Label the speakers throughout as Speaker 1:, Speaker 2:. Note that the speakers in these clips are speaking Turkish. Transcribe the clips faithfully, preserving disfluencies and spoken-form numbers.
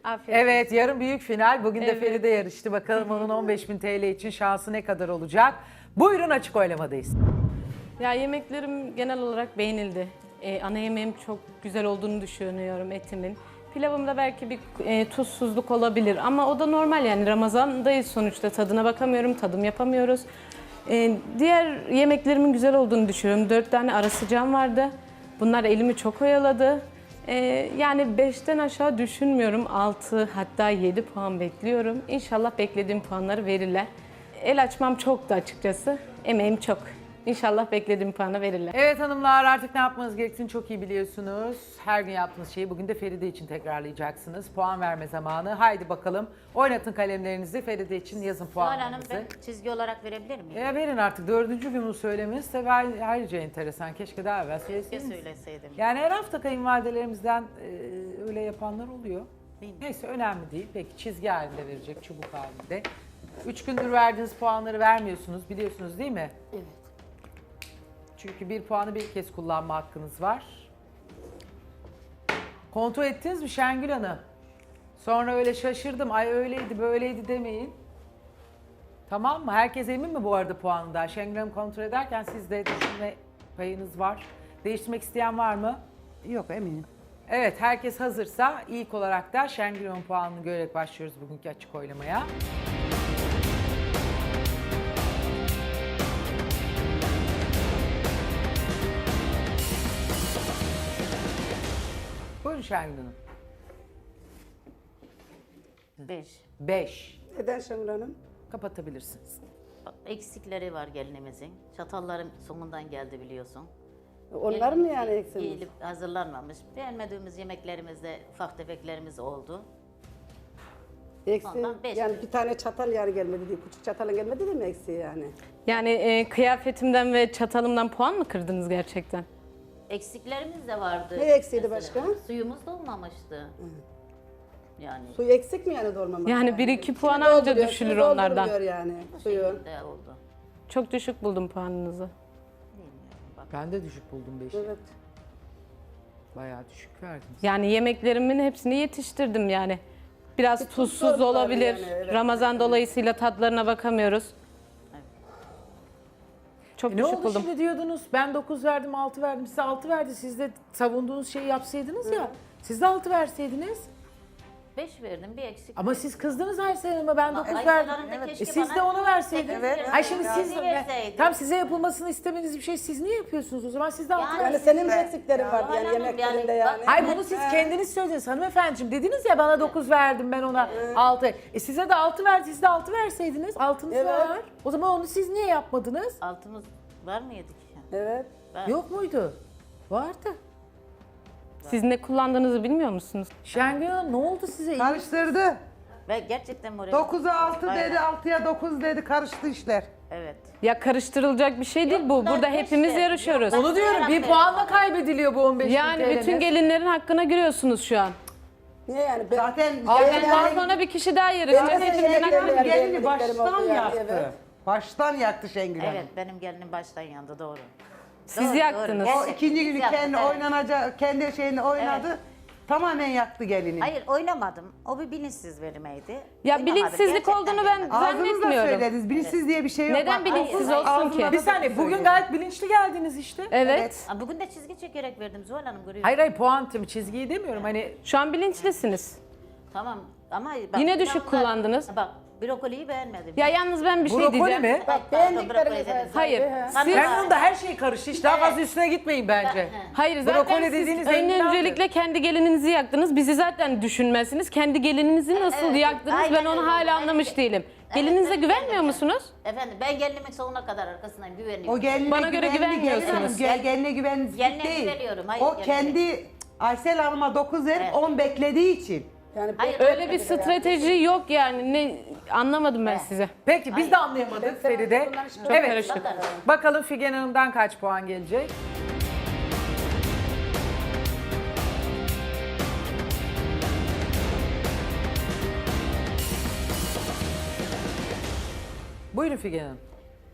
Speaker 1: Afiyet olsun.
Speaker 2: Evet, yarın büyük final. Bugün de
Speaker 1: Evet.
Speaker 2: Feride yarıştı. Bakalım onun on beş bin T L için şansı ne kadar olacak? Buyurun, açık oylamadayız.
Speaker 1: Ya yemeklerim genel olarak beğenildi. Ee, ana yemeğim çok güzel olduğunu düşünüyorum etimin. Pilavımda belki bir e, tuzsuzluk olabilir ama o da normal yani Ramazan'dayız sonuçta tadına bakamıyorum, tadım yapamıyoruz. Ee, diğer yemeklerimin güzel olduğunu düşünüyorum. Dört tane ara sıcağım vardı. Bunlar elimi çok oyaladı. Ee, yani beşten aşağı düşünmüyorum. altı hatta yedi puan bekliyorum. İnşallah beklediğim puanları verirler. El açmam çoktu açıkçası. Emeğim çok. İnşallah beklediğim puanı verirler.
Speaker 2: Evet hanımlar, artık ne yapmanız gerektiğini çok iyi biliyorsunuz. Her gün yaptığınız şeyi bugün de Feride için tekrarlayacaksınız. Puan verme zamanı. Haydi bakalım, oynatın kalemlerinizi. Feride için yazın
Speaker 3: Zuhal Hanım,
Speaker 2: puanlarınızı.
Speaker 3: ben çizgi olarak verebilir miyim?
Speaker 2: E, verin artık, dördüncü gün bunu söylemeniz de ayrıca enteresan. Keşke daha evvel
Speaker 3: Keşke
Speaker 2: söyleseydiniz.
Speaker 3: söyleseydim.
Speaker 2: Yani her hafta kayınvalidelerimizden e, öyle yapanlar oluyor.
Speaker 3: Bilmiyorum.
Speaker 2: Neyse, önemli değil. Peki çizgi halinde verecek, çubuk halinde. Üç gündür verdiğiniz puanları vermiyorsunuz, biliyorsunuz değil mi?
Speaker 3: Evet.
Speaker 2: Çünkü bir puanı bir kez kullanma hakkınız var. Kontrol ettiniz mi Şengül Hanım? Sonra öyle şaşırdım, ay öyleydi böyleydi demeyin. Tamam mı? Herkes emin mi bu arada puanından? Şengül Hanım kontrol ederken sizde düşünme payınız var. Değiştirmek isteyen var mı?
Speaker 4: Yok, eminim.
Speaker 2: Evet, herkes hazırsa ilk olarak da Şengül Hanım puanını görerek başlıyoruz bugünkü açık oylamaya. Buyurun Şengül Hanım.
Speaker 3: Beş.
Speaker 2: beş.
Speaker 4: Neden Şengül Hanım?
Speaker 2: Kapatabilirsiniz.
Speaker 3: Bak, eksikleri var gelinimizin. Çatallarım sonundan geldi biliyorsun.
Speaker 4: Onlar mı yani
Speaker 3: Gelinimiz
Speaker 4: eksiniz?
Speaker 3: Giyilip hazırlanmamış. Beğenmediğimiz yemeklerimizde ufak tefeklerimiz oldu.
Speaker 4: Eksi,
Speaker 3: Ondan beş
Speaker 4: yani
Speaker 3: mi?
Speaker 4: bir tane çatal yani gelmedi değil, küçük çatalın gelmedi değil mi eksi yani?
Speaker 1: Yani e, kıyafetimden ve çatalımdan puan mı kırdınız gerçekten?
Speaker 3: Eksiklerimiz de vardı.
Speaker 4: Ne eksiydi
Speaker 3: mesela.
Speaker 4: başka?
Speaker 3: Suyumuz da olmamıştı. Yani
Speaker 4: Suyu eksik mi yani dolmamak?
Speaker 1: Yani bir iki puan
Speaker 4: Suyu
Speaker 1: anca
Speaker 4: dolduruyor,
Speaker 1: düşülür
Speaker 4: suyu
Speaker 1: onlardan.
Speaker 4: dolduruyor yani
Speaker 3: bu
Speaker 4: suyu.
Speaker 3: şekilde oldu.
Speaker 1: Çok düşük buldum puanınızı.
Speaker 3: Bilmiyorum. Bak.
Speaker 2: Ben de düşük buldum beşi.
Speaker 4: Evet.
Speaker 2: Bayağı düşük verdiniz.
Speaker 1: Yani yemeklerimin hepsini yetiştirdim yani. Biraz
Speaker 4: Bir tuz
Speaker 1: tuzsuz
Speaker 4: sorunu var
Speaker 1: olabilir.
Speaker 4: yani, evet.
Speaker 1: Ramazan dolayısıyla tadlarına bakamıyoruz. Çok
Speaker 2: E ne
Speaker 1: düşük
Speaker 2: oldu
Speaker 1: buldum.
Speaker 2: şimdi diyordunuz, ben dokuz verdim, altı verdim, size altı verdi. Siz de savunduğunuz şeyi yapsaydınız ya. Siz de altı verseydiniz.
Speaker 3: Beş verdim, bir eksik.
Speaker 2: Ama siz kızdınız Aysel Hanım'a, ben dokuz
Speaker 3: Aysel
Speaker 2: verdim.
Speaker 3: Hanım da keşke
Speaker 2: E siz
Speaker 3: bana
Speaker 2: de onu verseydiniz.
Speaker 3: sekiz
Speaker 2: Ay şimdi
Speaker 3: verseydi,
Speaker 2: siz
Speaker 3: altı verseydi.
Speaker 2: tam size yapılmasını istemediğiniz bir şey siz niye yapıyorsunuz o zaman? Siz de altı
Speaker 3: Yani-
Speaker 2: ver.
Speaker 4: Yani senin de eksiklerin vardı
Speaker 3: Zuhal
Speaker 4: yani
Speaker 3: Hanım,
Speaker 4: yemeklerinde
Speaker 3: yani
Speaker 4: yani.
Speaker 3: bak-
Speaker 2: Ay bunu siz kendiniz söylediniz hanımefendiciğim. Dediniz ya, bana dokuz verdim, ben ona altı. E size de altı verdi, siz de altı verseydiniz. Altınız
Speaker 4: Evet.
Speaker 2: var. O zaman onu siz niye yapmadınız?
Speaker 3: Altımız var mıydı ki?
Speaker 4: Evet.
Speaker 3: Ben-
Speaker 2: Yok muydu? Vardı.
Speaker 1: Siz ne kullandığınızı bilmiyor musunuz?
Speaker 2: Şengül Hanım, ne oldu size?
Speaker 5: Karıştırdı.
Speaker 3: Ve gerçekten moralim...
Speaker 5: dokuza altı
Speaker 3: Bayağı.
Speaker 5: dedi, altıya dokuz dedi. Karıştı işler.
Speaker 3: Evet.
Speaker 1: Ya karıştırılacak bir şey değil bu.
Speaker 3: bunlar
Speaker 1: Burada
Speaker 3: beş
Speaker 1: hepimiz
Speaker 3: ver.
Speaker 1: yarışıyoruz.
Speaker 3: Yok,
Speaker 2: Onu diyorum, bir
Speaker 3: Aferin.
Speaker 2: puanla kaybediliyor bu on beş bin
Speaker 1: Yani
Speaker 2: T L'niz.
Speaker 1: bütün gelinlerin hakkına giriyorsunuz şu an.
Speaker 4: Niye yani? Ben,
Speaker 5: Zaten
Speaker 2: Aynen.
Speaker 1: Bundan sonra bir kişi daha yarışacak.
Speaker 4: Ben de
Speaker 1: Hepimizin
Speaker 4: yemeklerle
Speaker 1: hakkına
Speaker 4: yani
Speaker 1: giriyor.
Speaker 5: gelini
Speaker 4: beğenmediklerim
Speaker 5: baştan
Speaker 4: oldu yani,
Speaker 5: yaktı.
Speaker 4: evet.
Speaker 5: Baştan yaktı Şengül Hanım.
Speaker 3: Evet, benim gelinim baştan yandı, doğru.
Speaker 1: Siz
Speaker 3: Doğru,
Speaker 1: yaktınız.
Speaker 3: doğru.
Speaker 5: O ikinci günü
Speaker 3: Yaktı,
Speaker 5: kendi
Speaker 3: evet.
Speaker 5: oynanacak, kendi şeyini oynadı. Tamamen yaktı gelini.
Speaker 3: Hayır, oynamadım. O bir bilinçsiz verilmeydi.
Speaker 1: Ya
Speaker 3: Oynamadım,
Speaker 1: bilinçsizlik
Speaker 3: gerçekten
Speaker 1: olduğunu ben
Speaker 3: oynamadım.
Speaker 5: Ağzınızla
Speaker 1: zannetmiyorum.
Speaker 5: söylediniz. Bilinçsiz diye bir şey yok.
Speaker 1: Neden
Speaker 5: Bak,
Speaker 1: bilinçsiz
Speaker 3: hayır,
Speaker 1: olsun
Speaker 5: ağzına
Speaker 1: ki?
Speaker 2: Bir saniye, bugün gayet bilinçli geldiniz işte.
Speaker 1: Evet.
Speaker 3: Aa, Bugün de çizgi çekerek verdim Zuhal Hanım, görüyor
Speaker 2: Hayır hayır, puan timi, çizgiyi demiyorum hani.
Speaker 1: Şu an bilinçlisiniz.
Speaker 3: Tamam ama... Bak,
Speaker 1: Yine düşük
Speaker 3: yanlar-
Speaker 1: kullandınız.
Speaker 3: Bak, brokoliyi beğenmedim.
Speaker 1: Ya yalnız ben bir şey
Speaker 2: Brokoli
Speaker 1: diyeceğim.
Speaker 2: mi?
Speaker 4: Bak
Speaker 3: Pardon,
Speaker 4: beğendikleriniz
Speaker 3: brokoli dedim.
Speaker 1: Hayır.
Speaker 4: He.
Speaker 1: Siz,
Speaker 2: Ben onun da her şey karıştı. Hiç daha
Speaker 3: Evet.
Speaker 2: fazla üstüne gitmeyin bence.
Speaker 1: hayır zaten
Speaker 2: Brokoli
Speaker 1: siz
Speaker 2: dediğiniz enginardır.
Speaker 1: öncelikle kendi gelininizi yaktınız. Bizi zaten düşünmezsiniz. Kendi gelininizi nasıl
Speaker 3: Evet,
Speaker 1: yaktınız
Speaker 3: aynen
Speaker 1: ben onu
Speaker 3: öyle.
Speaker 1: hala
Speaker 3: Aynen.
Speaker 1: anlamış değilim.
Speaker 3: Evet,
Speaker 1: Gelinize
Speaker 3: evet,
Speaker 1: güvenmiyor
Speaker 3: evet.
Speaker 1: musunuz?
Speaker 3: Efendim, ben gelinimin sonuna kadar arkasındayım, güveniyorum.
Speaker 5: O geline
Speaker 1: Bana göre
Speaker 5: güvendi,
Speaker 1: güvenmiyorsunuz.
Speaker 5: gelin hanım, Gel, geline güvensizlik
Speaker 3: Geline
Speaker 5: değil.
Speaker 3: güveniyorum, hayır,
Speaker 5: o
Speaker 3: geline.
Speaker 5: kendi Aysel Hanım'a dokuz verip
Speaker 3: Evet.
Speaker 5: on beklediği için.
Speaker 4: Yani
Speaker 3: Hayır,
Speaker 1: Öyle bir strateji yok yani. Ne anlamadım ben size.
Speaker 2: Peki biz de anlayamadık Feride.
Speaker 1: Çok
Speaker 2: Evet.
Speaker 1: karışık.
Speaker 2: Bakalım Figen Hanım'dan kaç puan gelecek? Buyurun Figen Hanım.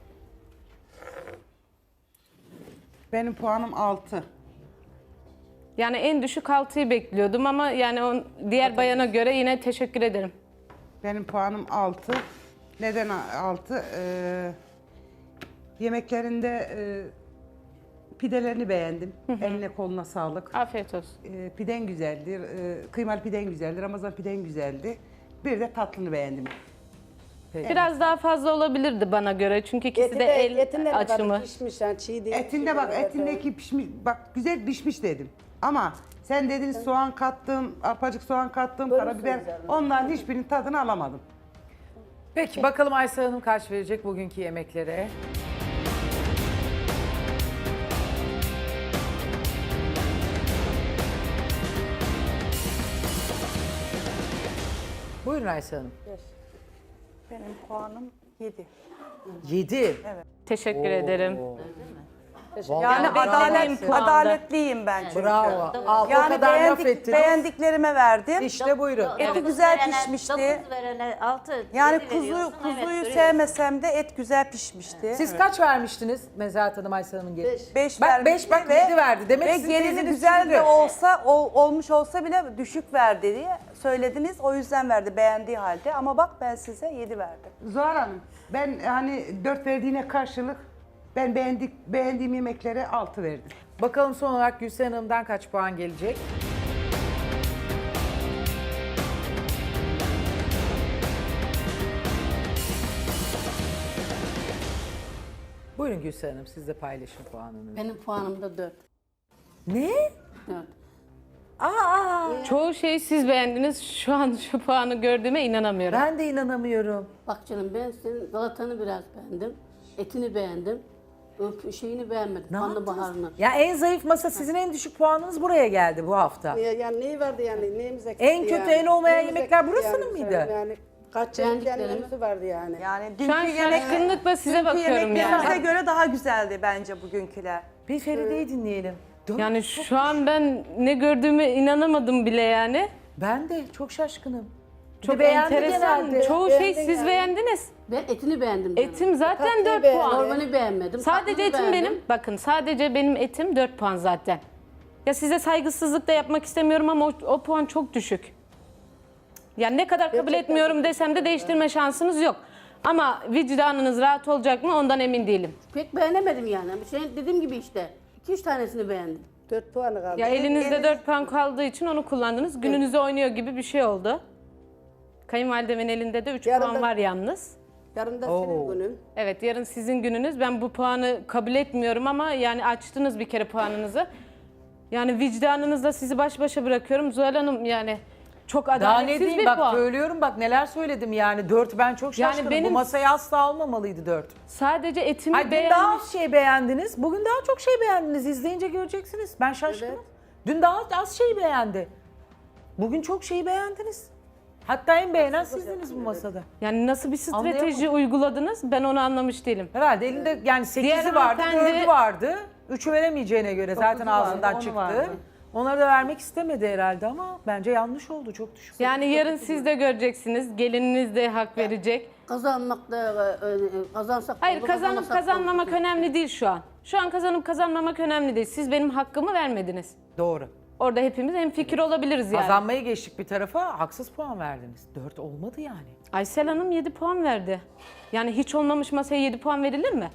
Speaker 5: Benim puanım altı.
Speaker 1: Yani en düşük altıyı bekliyordum ama yani on, diğer bayana göre yine teşekkür ederim.
Speaker 5: Benim puanım altı. Neden altı? Ee, yemeklerinde e, pidelerini beğendim. Eline koluna sağlık.
Speaker 1: Afiyet olsun.
Speaker 5: Ee, piden güzeldir. Ee, kıymalı piden güzeldir. Ramazan piden güzeldi. Bir de tatlını beğendim.
Speaker 1: Biraz daha fazla olabilirdi bana göre çünkü ikisi
Speaker 4: Eti
Speaker 1: de
Speaker 4: de,
Speaker 1: el
Speaker 4: etinde ne
Speaker 1: açımı.
Speaker 4: kadar pişmiş yani çiğ değil.
Speaker 5: Etinde bak,
Speaker 4: Evet,
Speaker 5: etindeki pişmiş, bak güzel pişmiş dedim. Ama sen dedin soğan kattım, arpacık soğan kattım,
Speaker 4: Bölürsünüz
Speaker 5: karabiber.
Speaker 4: yani.
Speaker 5: Onların hiçbirinin tadını alamadım.
Speaker 2: Peki bakalım Aysel Hanım kaç verecek bugünkü yemeklere? Buyurun Aysel Hanım.
Speaker 6: Benim puanım yedi.
Speaker 2: yedi.
Speaker 1: Teşekkür ederim.
Speaker 6: Yani
Speaker 1: Yani
Speaker 6: adalet,
Speaker 1: beklediğim puanda.
Speaker 6: adaletliyim ben çünkü.
Speaker 2: Bravo. Al, o
Speaker 6: Yani
Speaker 2: kadar laf
Speaker 6: beğendik,
Speaker 2: ettiniz.
Speaker 6: beğendiklerime verdim.
Speaker 2: İşte buyurun.
Speaker 6: Eti
Speaker 3: Dokuz
Speaker 6: güzel
Speaker 3: verene-
Speaker 6: pişmişti.
Speaker 3: dokuz verene altı.
Speaker 6: Yani
Speaker 3: yedi
Speaker 6: kuzu
Speaker 3: veriyorsun, evet,
Speaker 6: kuzuyu
Speaker 3: veriyorsun.
Speaker 6: sevmesem de et güzel pişmişti.
Speaker 2: Siz kaç vermiştiniz Mezahat Hanım Aysel Hanım'ın gelin?
Speaker 4: Beş.
Speaker 6: Beş
Speaker 2: Bak
Speaker 6: vermişti
Speaker 2: beş bak
Speaker 6: ve,
Speaker 2: yedi verdi. Demek
Speaker 6: ve
Speaker 2: sizin
Speaker 6: gelini
Speaker 2: teyzeniz
Speaker 6: güzel
Speaker 2: sürdü.
Speaker 6: de olsa ol- olmuş olsa bile düşük verdi diye söylediniz. O yüzden verdi beğendiği halde. Ama bak ben size yedi verdim.
Speaker 5: Zuhal Hanım, ben hani dört verdiğine karşılık ben beğendik, beğendiğim yemeklere altı verdim.
Speaker 2: Bakalım son olarak Gülsen Hanım'dan kaç puan gelecek? Buyurun Gülsen Hanım siz de paylaşın puanını.
Speaker 7: Benim puanım da dört.
Speaker 2: Ne?
Speaker 7: dört.
Speaker 2: Aa,
Speaker 1: Çoğu şeyi siz beğendiniz. Şu an şu puanı gördüğüme inanamıyorum.
Speaker 2: ben de inanamıyorum.
Speaker 7: Bak canım ben senin galatanı biraz beğendim. Etini beğendim. Öp şeyini beğenmedim.
Speaker 2: Ne
Speaker 7: Kanlı
Speaker 2: yaptınız?
Speaker 7: baharını.
Speaker 2: Ya en zayıf masa sizin en düşük puanınız buraya geldi bu hafta.
Speaker 4: Ya, yani neyi vardı yani neyimiz eksikti
Speaker 2: En kötü,
Speaker 4: yani.
Speaker 2: en olmayan
Speaker 4: Neyimiz
Speaker 2: yemekler
Speaker 4: eksikti
Speaker 2: burasının
Speaker 4: yani.
Speaker 2: mıydı?
Speaker 4: Yani kaç çeşit yani
Speaker 7: Beğendiklerimi-
Speaker 4: menüsü vardı yani.
Speaker 6: Yani
Speaker 1: Şu
Speaker 6: dünkü
Speaker 1: an
Speaker 6: yemek,
Speaker 1: şaşkınlıkla size
Speaker 6: dünkü
Speaker 1: bakıyorum
Speaker 6: yemeklerimize
Speaker 1: yani.
Speaker 6: göre daha güzeldi bence bugünküler.
Speaker 2: Bir Feride'yi dinleyelim. Dört-
Speaker 1: Yani şu an ben ne gördüğüme inanamadım bile yani.
Speaker 2: Ben de çok şaşkınım. Bir
Speaker 1: Çok
Speaker 2: de beğendi
Speaker 1: enteresan.
Speaker 2: genelde.
Speaker 1: Çoğu şey
Speaker 4: Beğendin
Speaker 1: siz
Speaker 4: yani.
Speaker 1: beğendiniz.
Speaker 7: Ben etini beğendim canım.
Speaker 1: Etim zaten
Speaker 4: Tatlıyı
Speaker 1: dört
Speaker 4: beğendin.
Speaker 1: puan.
Speaker 7: Normali beğenmedim.
Speaker 1: Sadece
Speaker 7: tatlıyı
Speaker 1: etim
Speaker 7: beğendim.
Speaker 1: benim. Bakın sadece benim etim dört puan zaten. Ya size saygısızlık da yapmak istemiyorum ama o, o puan çok düşük. Yani ne kadar kabul
Speaker 4: Gerçekten
Speaker 1: etmiyorum desem de değiştirme şansınız yok. Ama vicdanınız rahat olacak mı ondan emin değilim.
Speaker 7: Pek beğenemedim yani. Ama Şey, dediğim gibi işte. iki üç tanesini beğendim.
Speaker 4: Dört puanı kaldı.
Speaker 1: Ya elinizde
Speaker 6: eliniz-
Speaker 1: dört puan kaldığı için onu kullandınız. Gününüzü oynuyor gibi bir şey oldu. Kayınvalidemin elinde de üç
Speaker 4: Yarın
Speaker 1: puan
Speaker 4: da-
Speaker 1: var yalnız.
Speaker 4: Yarın da
Speaker 2: Oo.
Speaker 4: senin günün.
Speaker 1: Evet yarın sizin gününüz. Ben bu puanı kabul etmiyorum ama yani açtınız bir kere puanınızı. Yani vicdanınızla sizi baş başa bırakıyorum. Zuhal Hanım yani çok
Speaker 2: Daha ne
Speaker 1: adaletsiz
Speaker 2: diyeyim
Speaker 1: bir
Speaker 2: bak
Speaker 1: puan.
Speaker 2: söylüyorum bak neler söyledim yani dört ben çok
Speaker 1: Yani
Speaker 2: şaşkınım.
Speaker 1: benim-
Speaker 2: Bu masaya asla almamalıydı dört.
Speaker 1: Sadece etimi
Speaker 2: Ay dün
Speaker 1: beğenmiş.
Speaker 2: daha az şey beğendiniz. Bugün daha çok şey beğendiniz. İzleyince göreceksiniz. Ben şaşkınım.
Speaker 4: Evet.
Speaker 2: Dün daha az şey beğendi. Bugün çok şeyi beğendiniz. Hatta en beğenen sizdiniz bu masada.
Speaker 1: Yani nasıl bir strateji
Speaker 2: Anlayamadım.
Speaker 1: uyguladınız ben onu anlamış değilim.
Speaker 2: Herhalde elinde yani sekizi
Speaker 1: Diğer
Speaker 2: vardı,
Speaker 1: hanımefendi-
Speaker 2: dördü vardı. Üçü veremeyeceğine göre zaten
Speaker 5: vardı,
Speaker 2: ağzından
Speaker 5: onu
Speaker 2: çıktı.
Speaker 5: vardı.
Speaker 2: Onları da vermek istemedi herhalde ama bence yanlış oldu. Çok düşük.
Speaker 1: Yani yarın siz de göreceksiniz. Gelininiz de hak verecek.
Speaker 7: Kazanmak da e, e, kazansak da
Speaker 1: Hayır
Speaker 7: olur,
Speaker 1: kazanıp
Speaker 7: kazanmasak da
Speaker 1: kazanmamak
Speaker 7: olur.
Speaker 1: önemli değil şu an. Şu an kazanıp kazanmamak önemli değil. Siz benim hakkımı vermediniz.
Speaker 2: Doğru.
Speaker 1: Orada hepimiz hemfikir olabiliriz yani.
Speaker 2: Kazanmayı geçtik bir tarafa, haksız puan verdiniz. Dört olmadı yani.
Speaker 1: Aysel Hanım yedi puan verdi. Yani hiç olmamış masaya yedi puan verilir mi?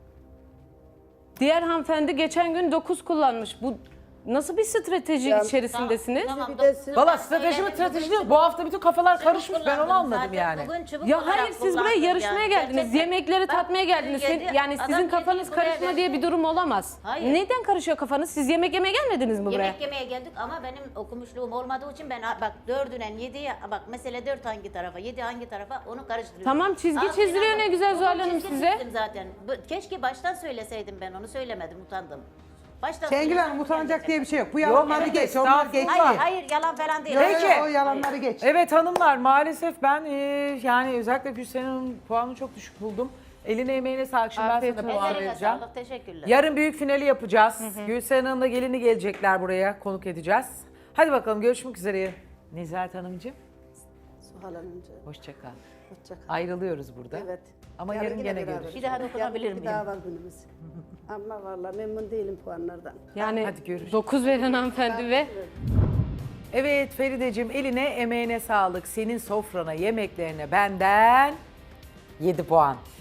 Speaker 1: Diğer hanımefendi geçen gün dokuz kullanmış. Bu nasıl bir strateji
Speaker 4: Ya-
Speaker 1: içerisindesiniz?
Speaker 3: Tamam,
Speaker 4: Bir de
Speaker 3: dokuz-
Speaker 4: siz-
Speaker 2: Valla
Speaker 3: ben
Speaker 2: strateji mi
Speaker 3: söyledim,
Speaker 2: strateji
Speaker 3: bugün
Speaker 2: değil. Bu hafta bütün kafalar
Speaker 3: çubuk
Speaker 2: karışmış. Ben onu
Speaker 3: kullandım
Speaker 2: anladım
Speaker 3: zaten.
Speaker 2: yani.
Speaker 3: Bugün çubuk
Speaker 1: Ya
Speaker 3: olarak
Speaker 1: hayır siz buraya
Speaker 3: kullandım
Speaker 1: yarışmaya
Speaker 3: yani.
Speaker 1: geldiniz.
Speaker 3: Gerçekten.
Speaker 1: Yemekleri
Speaker 3: Bak,
Speaker 1: tatmaya geldiniz.
Speaker 3: yedi-
Speaker 1: yani
Speaker 3: adam
Speaker 1: sizin
Speaker 3: yedi
Speaker 1: kafanız
Speaker 3: buraya
Speaker 1: karışma
Speaker 3: verdi.
Speaker 1: diye bir durum olamaz.
Speaker 3: Hayır.
Speaker 1: Neden karışıyor kafanız? Siz yemek yemeye gelmediniz mi buraya?
Speaker 3: Yemek yemeye geldik ama benim okumuşluğum olmadığı için ben bak dördünden yediye bak mesele dört hangi tarafa, yedi hangi tarafa onu karıştırıyorum.
Speaker 1: Tamam, çizgi
Speaker 3: Aa,
Speaker 1: çizdiriyor
Speaker 3: Sinan,
Speaker 1: ne güzel
Speaker 3: bugün
Speaker 1: Zuhal Hanım
Speaker 3: çizgi
Speaker 1: size.
Speaker 3: çizdim zaten. Bu- Keşke baştan söyleseydim ben onu söylemedim utandım. Baştan
Speaker 5: Şengül
Speaker 3: söyleseydim
Speaker 5: Hanım utanacak
Speaker 3: gelecek.
Speaker 5: diye bir şey yok. Bu yalanları
Speaker 2: evet,
Speaker 5: geç, onlar geç.
Speaker 2: estağfurullah.
Speaker 3: Hayır hayır yalan falan değil.
Speaker 5: Yok,
Speaker 2: Peki.
Speaker 5: yok, o yalanları geç.
Speaker 2: Evet hanımlar maalesef ben e, yani özellikle Gülsen Hanım'ın puanını çok düşük buldum. Eline emeğine sağlık. Şimdi ben
Speaker 1: Afiyet
Speaker 2: sana
Speaker 1: olsun.
Speaker 2: puan
Speaker 3: Ellerine
Speaker 2: vereceğim.
Speaker 3: sağlık teşekkürler.
Speaker 2: Yarın büyük finali yapacağız. Gülsen Hanım'la gelini gelecekler buraya. Konuk edeceğiz. Hadi bakalım görüşmek üzere. Nezahat Hanımcığım
Speaker 4: Suhal Hanımcığım.
Speaker 2: hoşça kal.
Speaker 4: Hoşça kal.
Speaker 2: Ayrılıyoruz burada.
Speaker 4: Evet.
Speaker 2: Ama
Speaker 4: Yarın
Speaker 2: yarın
Speaker 4: yine
Speaker 2: gene
Speaker 4: beraber.
Speaker 2: görüşürüz.
Speaker 3: Bir daha dokunabilir
Speaker 4: Bir
Speaker 3: miyim?
Speaker 4: daha var günümüz. Ama vallahi memnun değilim puanlardan.
Speaker 1: Yani
Speaker 2: Hadi görüşürüz.
Speaker 1: dokuz veren hanımefendi ve
Speaker 2: Evet Ferideciğim, eline emeğine sağlık. Senin sofrana, yemeklerine benden yedi puan.